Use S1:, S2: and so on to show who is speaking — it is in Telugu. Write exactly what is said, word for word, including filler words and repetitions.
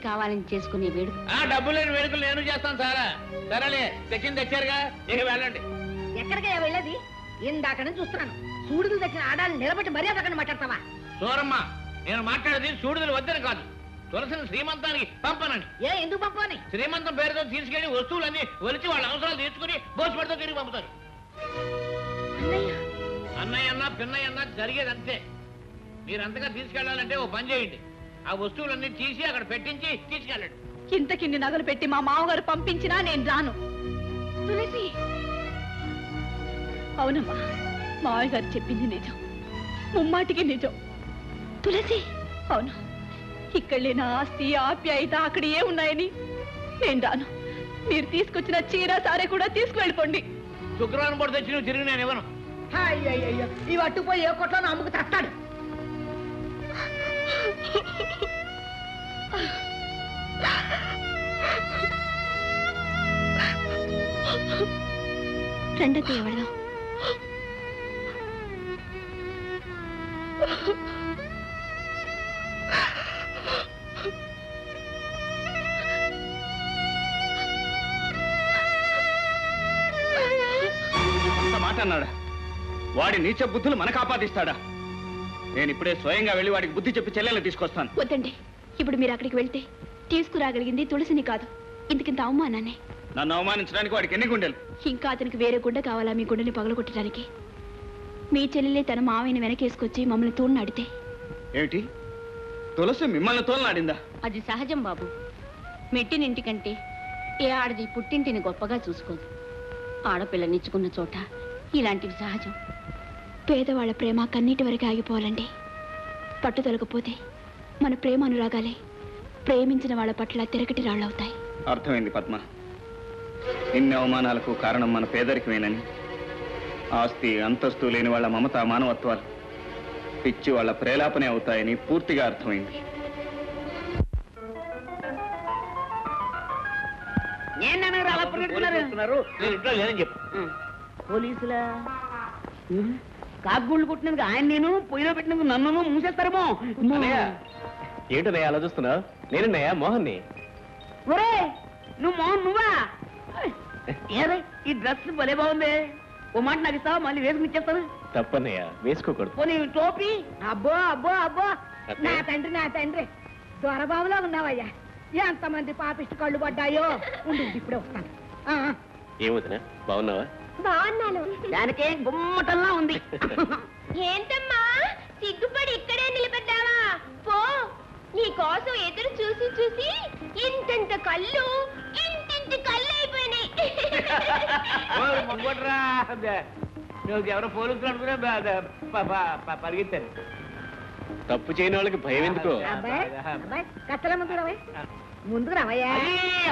S1: కావాలని చేసుకునే వేడుక.
S2: ఆ డబ్బు లేని వేడుకలు నేను చేస్తాను సారా. సరేలే, తెచ్చింది తెచ్చారుగా, ఇక వెళ్ళండి.
S3: ఎక్కడికయ్యా వెళ్ళేది? ఇందాక నుంచి చూస్తున్నాను. సూడుదలు తెచ్చిన ఆడాలను నిలబెట్టి మర్యాద అక్కడ మాట్లాడతావా?
S2: సూరమ్మ, నేను మాట్లాడేది సూడుదలు వద్దని కాదు, తులసిని శ్రీమంతానికి పంపనండి.
S3: ఏ ఎందుకు పంపని?
S2: శ్రీమంతం పేరుతో తీసుకెళ్లి వస్తువులన్నీ ఒలిచి వాళ్ళ అవసరాలు తీసుకుని బోసుపడితో తిరిగి పంపుతారు. అన్నయ్య అన్నా పిన్నయ్య అన్నా జరిగేది అంతే. మీరంతగా తీసుకెళ్లాలంటే ఓ పని చేయండి, ఆ వస్తువులన్నీ తీసి అక్కడ పెట్టించి తీసుకెళ్ళండి.
S4: ఇంతకిన్ని నగలు పెట్టి మా మామగారు పంపించినా నేను రాను. తులసి, అవునమ్మా, మావయ్య గారు చెప్పింది నిజం, ముమ్మాటికి నిజం. తులసి, అవును, ఇక్కడ లేని ఆస్తి ఆప్యాయత అక్కడ ఏ ఉన్నాయని నేను రాను. మీరు తీసుకొచ్చిన చీర సారే కూడా తీసుకువెళ్ళిపోండి.
S2: శుక్రవారం పూట తెచ్చి నువ్వు తిరిగి నేను ఇవ్వను.
S3: అయ్యయ్యో, ఇవి అట్టుపోయి ఏ కొట్లో అమ్ముకు తస్తాడు.
S4: రెండో ఎవడదాం.
S5: మాట అన్నాడా? వాడి నీచ బుద్ధులు మనకు ఆపాదిస్తాడా? నేను ఇప్పుడే స్వయంగా వెళ్ళి వాడికి బుద్ధి చెప్పి చెల్లెలు తీసుకొస్తాను.
S4: వద్దండి, ఇప్పుడు మీరు అక్కడికి వెళ్తే తీసుకురాగలిగింది తులసిని కాదు, ఇంతకింత అవమానాన్ని.
S5: నన్ను అవమానించడానికి వాడికి ఎన్ని గుండెలు?
S4: ఇంకా అతనికి వేరే గుండె కావాలా మీ గుండెని పగలగొట్టడానికి? మీ చెల్లెలే తన మావయ్యని వెనకేసుకొచ్చి మమ్మల్ని తోడునాడితే
S5: ఏమిటి? తులసి మిమ్మల్ని తోలనాడిందా?
S1: అది సహజం బాబు. మెట్టినింటికంటే ఏ ఆడది పుట్టింటిని గొప్పగా చూసుకోదు. ఆడపిల్లనిచ్చుకున్న చోట ఇలాంటివి సహజం.
S4: పేదవాళ్ల ప్రేమ కన్నీటి వరకు ఆగిపోవాలండి. పట్టుదలకపోతే మన ప్రేమ అనురాగాలే ప్రేమించిన వాళ్ళ పట్ల తిరగటి రాళ్ళవుతాయి.
S5: అర్థమైంది పద్మ. ఇన్ని అవమానాలకు కారణం మన పేదరికమేనని, ఆస్తి అంతస్తు లేని వాళ్ళ మమత మానవత్వాలు పిచ్చి వాళ్ళ ప్రేలాపనే అవుతాయని పూర్తిగా అర్థమైంది.
S3: పోలీసులా? కాకుగూళ్ళు కొట్టినందుకు ఆయన నేను, పొయ్యిలో పెట్టినందుకు నన్ను మూసేస్తారేమో.
S6: ఏంటనయ్య అలా చూస్తున్నావు? నేనన్నయ్య మోహన్ని.
S3: ఒరే, నువ్వు మోహన్ నువ్వా? ఏరే, ఈ డ్రెస్ భలే బాగుంది. ఓ మాట నాకు ఇస్తావా? మళ్ళీ వేసుకుని ఇచ్చేస్తాను.
S6: తప్పన్నయ్య, వేసుకోకూడదు.
S3: పోనీ టోపీ? అబ్బో అబ్బో అబ్బో, నా తండ్రి నా తండ్రి, దొరబాబులో ఉన్నావయ్యా. ఎంతమంది పాపిష్టి కళ్ళు పడ్డాయో. ఉండు, ఇప్పుడే వస్తాను.
S6: ఏమవుతున్నా, బాగున్నావా?
S3: బాగున్నాను. దానికే గుమ్మటంలా ఉంది.
S4: ఏంటమ్మా సిగ్గుపడి ఇక్కడే నిలబడ్డావా? పో, నీ కోసం ఎదురు చూసి చూసి ఇంతంత కళ్ళు ఇంటింటి కళ్ళు అయిపోయినాయి.
S2: ఎవరో పోలీసులు అనుకునే పరిగెత్తారు.
S6: తప్పు చేయని వాళ్ళకి భయం ఎందుకో?
S3: అబ్బాయి, అబ్బాయి, కట్టల ముందు రావయ్యా, ముందుకు రావయ్యా.